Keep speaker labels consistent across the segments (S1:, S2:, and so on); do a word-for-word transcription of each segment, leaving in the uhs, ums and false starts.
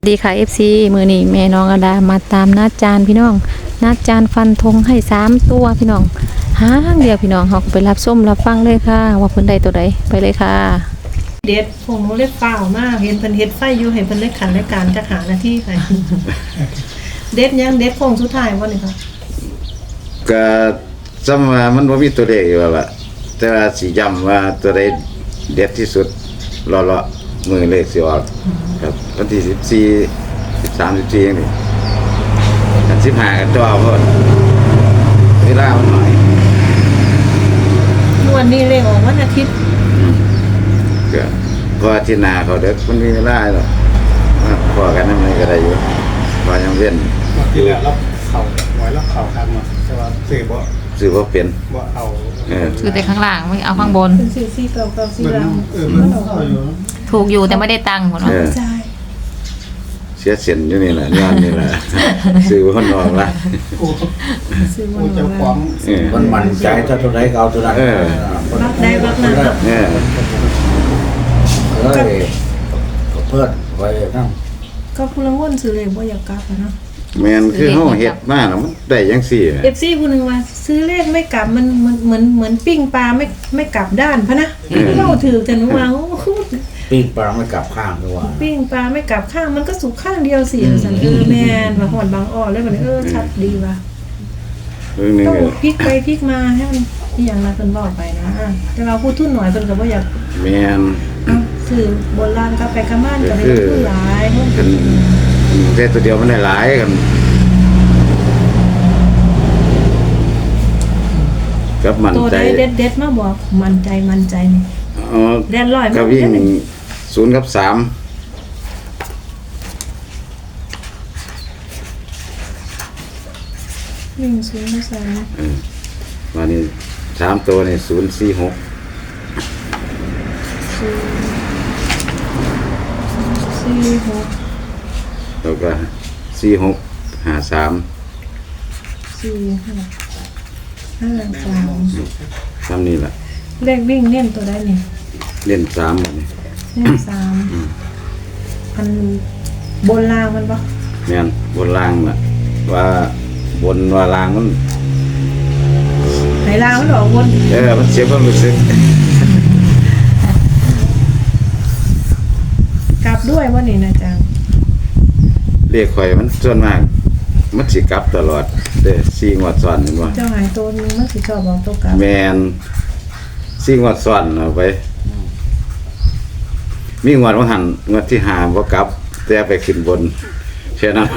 S1: ดีค่ะ เอฟ ซี มือนี้แม่น้องอดามาตามนัดจานพี่น้องนัดจานฟันธงให้สามตัวพี่น้องหางเดียวพี่น้องเขาก็ไปรับส้มรับฟังเลยค่ะว่าเพิ่นใดตัวใดไปเลยค่ะ
S2: เด็ดพวกหนูเล็ดเปล่ามากเห็นเพิ่นเฮ็ดไฟอยู่ให้เพิ่นเล็ดขันและการจะหาหน้าที่ไป เด็ดยังเด็ดพงสุดท้ายบ่นี่ค่ะ
S3: ก็จำว่ามันบ่มีตัวเลขอยู่ว่าล่ะแต่ว่าสิย้ำว่าตัวใดเด็ดที่สุดรอๆมือเลขสิออกครับวันที่สิบสี่ สิบสาม สิบสี่จังซี่กันสิบห้าก็จ่อเพิ่นเวลามันน้อย
S2: วันนี้เลขออกวันอาทิตย์
S3: ก็พออาทิตย์หน้าเขาเด็กมันมีเวลาหรอกมาพอกันนำก็ได้อยู่พอยังเว้น
S4: ที่แล้วเราเข่าไว้แล้วเข่าคันมาแต่ว่าซื้อบ่
S3: ซื้อบ่เป็น
S4: บ่เอา
S3: เออ
S1: คือแต่ข้างล่างไม่เอาข้างบน
S2: เป็นสี่สี่เก้าเก้าสี่ล่าง
S4: เออมันเข้าอยู่
S1: ถูกอยู่แต่ไม่ได้ตังค์พุ่นเนาะ
S2: ใช่
S3: เสียเส้นอยู่นี่แหละย้อนนี่แหละซื้อบ่นอกละ
S4: กู
S2: ซื้อบ่
S4: กูจะควาง
S5: มันมั่นใจถ้าตัวไหนก็เอาตัวนั้น
S3: เออ
S2: รักได้รักนั้น
S3: เออ
S5: เอ้ยก็เพิ่นไว้นั่ง
S2: ก็ผู้ละวนซื้อเลขบ่อยากกลับอะเนาะ
S3: แม่นคือเฮาเฮ็ดมาแล้วมันได้จังซี่
S2: เอฟ ซี ผู้นึงว่าซื้อเลขไม่กลับมันมันเหมือนเหมือนปิ้งปลาไม่ไม่กลับด้านพะนะเราถือแต่หนูว่าโอ้
S5: ปีนปลาไม่กลับข้างด้วยว่า
S2: ปิ้งปลาไม่กลับข้างมันก็สุกข้างเดียวสิสันเออแม่นว่าหอดบางอ้อเลยบัดนี้เออชัดดีว่ะ
S3: เรื่องนึง
S2: ต้องพลิกไปพลิกมาให้มันอีหยังนะเพิ่นเว้าไปนะแต่เราพูดทุนหน่อยเพิ่นก็บ่อยาก
S3: แม่น
S2: สื่อโบราณกลับไปกลับบ้านก็ได้ทุนหลายเพิ่น
S3: กันแต่ตัวเดียวมันได้หลายกันกับมัน
S2: ตัว
S3: ใจ
S2: ใดเด็ดๆมาบอกมั่นใจมั่นใจนี่
S3: อ๋อ
S2: แดนร้อย
S3: ก็วิ่งศูนย์กับสาม
S2: วิ่งศูนย์มาสาม
S3: เออวันนี้สามตัวนี่ศูนย์สี่หก
S2: สี่หก
S3: แล้วก็สี่หกห้าสาม
S2: สี่หกห้าสาม
S3: สามนี่แหละ
S2: เลขวิ่งเน้นตัวใดนี่
S3: เล่นสามนี่
S2: เน้นสามอันบนล่างมันบ่
S3: แม่นบนล่างน่ะว่าบนว่าล่างมัน
S2: ไหนล่างมันออกบน
S3: เออมันเสียความรู้สึก
S2: กลับด้วยว่านี่นะจัง
S3: เรียกข่อยมันส่วนมากมันสิกลับตลอดเด้อสี่งวดซ้อนเห็นบ่
S2: เจ้าหายตัวนึงมันสิชอบบอกตัวกลับ
S3: แม่นสี่งวดซ้อนเอาไปมีงวดว่าหันงวดที่ห้าบ่กลับแต่ไปขึ้นบนแค่นั้น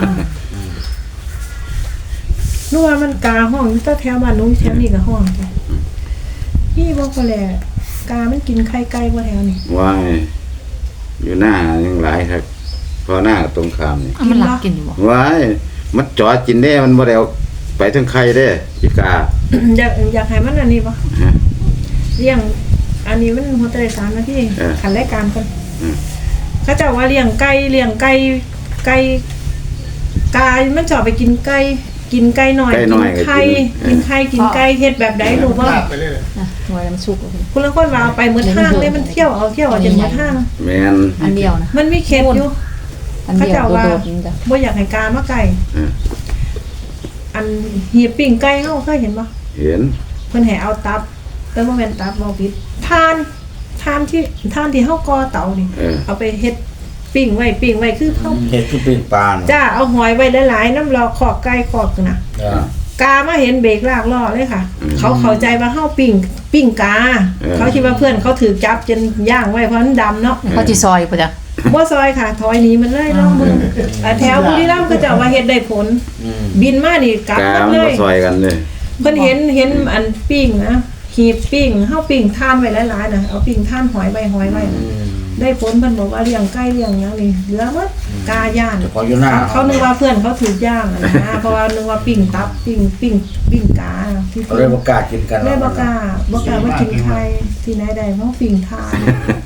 S2: นัวมันกาห้องอยู่แถวบ้านนู้นแถวนี้ก็ห้องจ้ะพี่บอกก็แหละกามันกินไข่ไก่บ่แถวนี้
S3: ว่ายอยู่หน้ายังหลายครับพอหน้าตรงข้ามนี่
S1: เอามันหลักกินอยู่บ่
S3: ว้ายมันจ่อกินได้มันบ่ได้เอาไปถึงไข่เด้อีกา
S2: อยากอยากให้มันอันนี้บ่
S3: ฮะ
S2: เลี้ยงอันนี้มันหัวใจสามนาที
S3: เออ
S2: ขันรายการก่อน
S3: อืม
S2: เขาเจ้าว่าเลี้ยงไก่เลี้ยงไก่ไก่กามันชอบไปกินไก่กินไก่หน่อยกินไข่กินไข่กินไก่เฮ็ดแบบใดรู้บ่
S4: ลากไปเรื่อย
S1: นะหน่วยมันสุก
S2: คุณละคนว่าเอาไปหมดห้างเลยมันเที่ยวเอาเที่ยวเอาจนหมดห้าง
S3: แม่น
S1: อันเดียวนะ
S2: มันมีเข็ดอยู่
S1: อันเดียวโดดๆนี่จ้ะ
S2: บ่อยากให้กามาไก่
S3: เออ
S2: อันเหียบปิ้งไก่เฮาเคยเห็นบ่
S3: เห็น
S2: เพิ่นให้เอาตับแต่บ่แม่นตับบ่ผิดทานทานที่ทานที่เฮาก่อเตานี่
S3: เออ
S2: เอาไปเฮ็ดปิ้งไว้ปิ้งไว้คือเฮา
S5: เห็ดคือปีนปลา
S2: จ้าเอาหอยไว้หลายๆน้ำรอขอกไก่ขอกน่ะ
S5: จ้าก
S2: ามาเห็นเบรกลากล้อเลยค่ะ เขาเข้าใจว่าเฮาปิ้งปิ้งกา เขาคิดว่าเพื่อนเขาถือจับจนย่างไว้เพราะมันดำเนาะ
S1: เขาสิซอยป่ะจ้ะ
S2: บ่ซอยค่ะถอยหนีมันเลยลองมึงแต่แถวบุรีรัมย์ก็จะว่าเฮ็ดได้ผล บินมานี่กลับ
S3: กา
S2: หมด
S3: มัน
S2: เล
S3: บ่
S2: ย
S3: ซอยกันเลย
S2: เพิ่นเห็นเห็นอันปิ้งนะหีบปิ้งเฮาปิ้งทานไว้หลายๆน่ะเอาปิ้งทานหอยไว้หอยไว้น่ะได้ผลเพิ่นบอกว่าเลี้ยงไก่เลี้ยงหยังนี่เหลือหมดกาย่าน
S5: เฉพาะอยู่หน้า
S2: เขานึกว่าเพื่อนเขาถูกย่างอะนะเพราะว่านึกว่าปิ้งตับปิ้งปิ้งปิ้งกาที่
S5: เขาเลยบ่กล้ากินกัน
S2: ได้บ่กล้าบ่กล้าว่ากินไข่ที่ไหนได้เพราะปิ้งทาน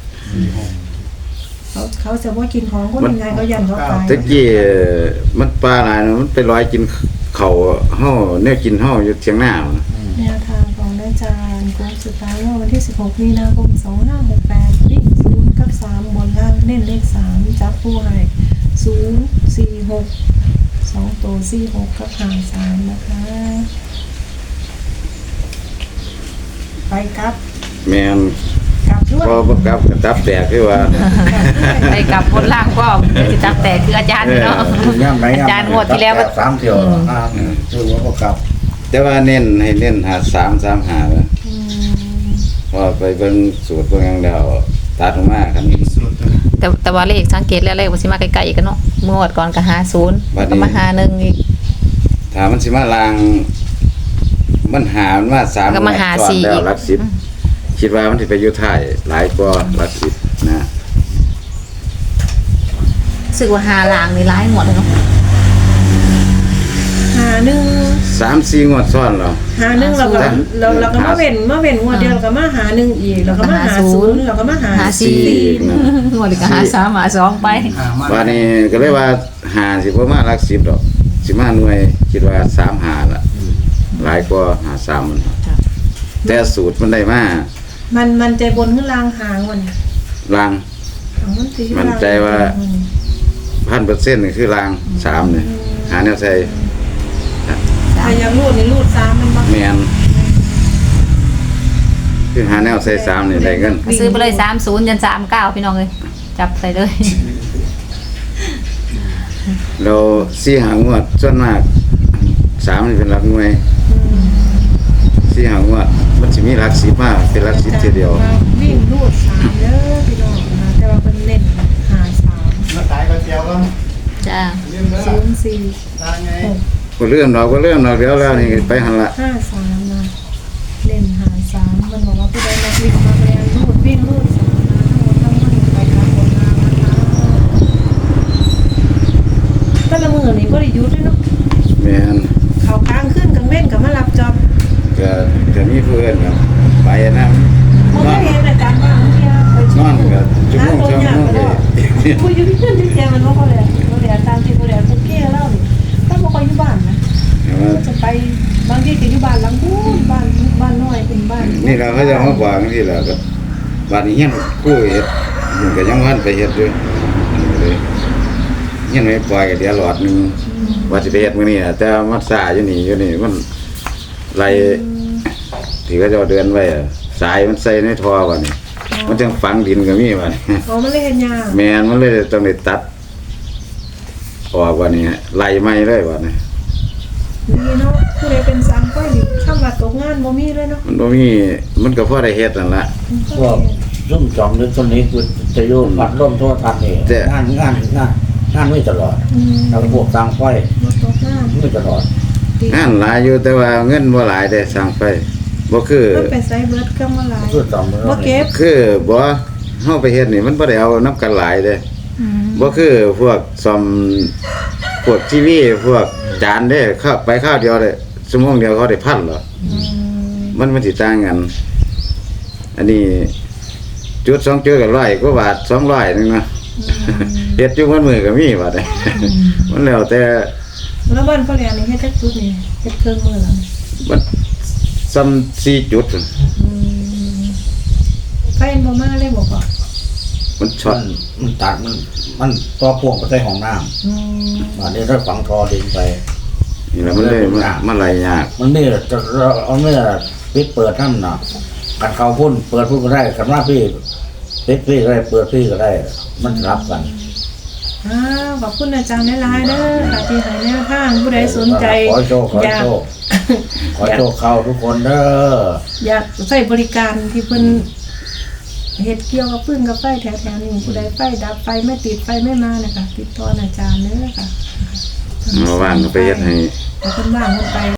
S2: เขาเขาจะว่ากินของคนยังไงเขายันเขาตาย
S3: ตะกี้มันปลาหลายนะมันไปลอยกินข้าวเฮาแนวกินเฮาอยู่เถียงหน้านะ
S2: แนวทางของอาจารย์โค้งสุดท้ายเมื่อวันที่สิบหกมีนาคมสองห้าหกแปดวิ่งศูนย์กับสามบนล่างเน้นเลขสามจับผู้ให้ศูศูนย์สี่หกสองตัวสี่หกกับหาสามนะคะ ไปกลับ
S3: แม่น
S2: กลับด้วย
S3: พอบ่กลับก็ตับแตกคือว่า
S1: ไปกลับบนล่างก็สิตับแตกคืออาจารย์เนาะ
S5: ย่ำไหน
S1: อาจารย์งวดที่แล้วก็
S5: สามเที่ยวอ่าคือว่าก็กลับ
S3: แต่ว่าเน้นให้เน้นหาสามสามหานะพอไปเบิ่งสูตรเบิ่งหยังแล้วตัดออกมาคัน
S4: สุดเลย
S1: แต่แต่ว่าเลขสังเกตแล้วเลขมันสิมาใกล้ๆกันเนาะเมื่อวดก่อนก็หาศูนย์แล้วก็มาหาหนึ่งอีก
S3: ถ้ามันสิมาลางมันหามันมาสาม
S1: ก็มาหา
S3: ก่อน
S1: สี่
S3: แล้วหลักสิบคิดว่ามันสิไปอยู่ท้ายหลายกว่าหลักสิบนะ
S1: รู้สึกว่าหาลางนี่ร้ายหมดเลยเนาะ
S2: หาหนึ่ง
S3: สามสี่งวดซ้อนแล้ว
S2: หาหนึ่งเราก็
S3: หา
S2: เราเราก็มาเว้นมาเว้นงวดเดียวเราก็มาหาหนึ่งอีกเราก็มาหาศูนย์เราก็มาหา
S1: หาสี่
S3: นะ
S1: หมดเลยก็หาสามหาสองไป
S4: อ่ามา
S3: วันนี้ก็เลยว่าหาสิบ่มาหลักสิบดอกสิมาหน่วยคิดว่าสามหาล่ะหลายกว่าหาสามมันแต่สูตรมันได้มา
S2: มันมันใจบนขึ้นลางหางวัน
S3: ลาง
S2: เอามันสิ
S3: มั่นใจว่า พันเปอร์เซ็นต์นี่คือลางสามเนี่ยหาแนวใส่
S2: ถ้าอยากรูดนี่รูดซ้ำมันบ้าง
S3: แมนคือหาแนวใส่สามนี่ได้เงิน
S1: ซื้อไปเลยสามศูนย์ยันสามเก้าพี่น้องเลยจับใส่เลย
S3: เราสี่หางวดส่วนมากสามนี่เป็นหลักหน่วยสี่หางวดมันจะมีหลักสิบมากเป็นหลักสิบทีเดียว
S2: วิ่งรูดสามเด้อพี่น้องนะแต่ว่าเป็นเล่นหาสาม
S4: มาขายก๋วยเตี๋ยวก็
S1: จ้า
S4: เรื่องเด้อ
S2: ศูนย์สี่
S4: ตายไง
S3: ก็เริ่มเราก็เริ่มเราเดี๋ยวแล้วนี่ไปหันละ
S2: ห้าสามนะเล่นหาสามมันบอกว่าผู้ใดนักวิ่งมาแรงรูดวิ่งรูดสามนะทั้งหมดทั้งมวลไปครับผลงานนะคะแต่ละมือนี่ก็ได้หยุดด้วยเนาะ
S3: แมน
S2: เขาค้างขึ้นกังเว้นกับมารับจอบ
S3: ก็จะมีเพื่อนครับไปนะ
S2: ผม
S3: นอ
S2: ไม่
S3: น
S2: เห็นอาจารย์ว่าเมื่อกี้ไป
S3: นอนกับชั่วโมงชั่วโมงเลย
S2: คุยอยู่ที่เพื่อนที่แจมันว่าเขาเลยเขาเลยตามที่เขาเลยทุกเกี้ยเล่านี่ถ้าบอกเขาอยู่บ้านนะจะไปบางทีก็อยู่บ้านหลังนู้นบ้านบ้านน้อยเป็นบ้าน
S3: นี่เราเขาจะมาบอกที่แหละก็บ้านนี้เฮียนกู้เฮ็ดมันก็ยังวันไปเฮ็ดด้วยเลยเฮียนไม่ปล่อยก็เดี๋ยวหลอดหนึงว่าสิไปเฮ็ดมื้อนี้น่ะแต่มันซ่าอยู่นี่อยู่นี่มันไหลที่เขาเจะเดือนไว้อะสายมันใส่ในท่อว่านี่มันจังฝังดินก็มีว่านี่
S2: อ๋อมันเลยเห็นยาก
S3: แม่นมันเลยต้องได้ตัดออกว่านี่ไหลใหม่เลยว่านี่
S2: ดีเนาะผู้ใดเป็นสามก้อยนี่ข้ามว่าตกงานบ่มีเลยเนาะ
S3: มันบ่มีมันก็พอได้เฮ็ดนั่นล่ะ
S5: พวกร่มจอมหรือต้นนี้คือจะโยนพัดร่มโทษทันนี่
S3: แต่
S5: งานงานงานงานไม่ตลอด
S2: อืม
S5: แล้วพวกต่างไฟ
S2: บ่ตกงาน
S5: ไม่ตลอด
S2: ดี
S3: งานหลายอยู่แต่ว่าเงินบ่หลายได้สร้างไปบ่คือ
S2: มันไปไซเบิร์ดเครื่องมาหลาย
S5: คือจอม
S2: บ่เก็บ
S3: คือบ่เฮาไปเฮ็ดนี่มันบ่ได้เอาน้ำกันหลายเด้บ่คือพวกซ่อมพวกทีวีพวกจานเด้เข้าไปข้าวเดียวเด้ชั่วโมงเดียวเขาได้พันเหรอ
S2: อืม
S3: มันมันสิต่างกัน อันนี้จุดสองจุดก็ร้อยกว่าบาทสองร้อยนึงนะเฮ็ดอยู่มันมือก็มีบาดนี้มันแล้วแต่
S2: แล้วบ้านพ่อแหลมนี่เฮ็ดจักจุดนี่เฮ็ดเครื่องมือแล้วนี่
S3: มันซ้ำสี่จุด
S2: อืมไฟบ่มาเลยบ่พ่อ
S3: มันช็อ
S5: มั
S3: ต
S5: นมันตัดมันมันตัวพ่วงไปใส่ห้องน้
S2: อืม
S5: ำอันนี้ถ้าฝังทอดินไป
S3: นี่แหละมันเลยมันมันไหลยาก
S5: มันนี่จะเอาเนี่ยปิดเปิดน้ำหนักกันเขาพุ่นเปิดพุ่นก็ได้กันว่าพี่ปิดพี่ก็ได้เปิดพี่ก็ได้ มันรับกัน
S2: อ้าวขอบคุณอาจารย์หลายๆเด้อค่ะที่ให้แนวทางผู้ใดสนใจ
S5: ขอโชคขอ
S2: อยาก
S5: โชคขอโชคเข้าทุกคนเด้อ
S2: อยากใช้บริการที่เพิ่นเฮ็ดเกี่ยวกับปืนกับไฟแถวๆนี้ผู้ใดไฟดับไฟไม่ติดไฟไม่มานะคะติดต่ออาจารย์เด้อค่ะ
S3: มาว่างก็ไปเฮ็ดให้
S2: เอาเพิ่นว่างเพิ่นไป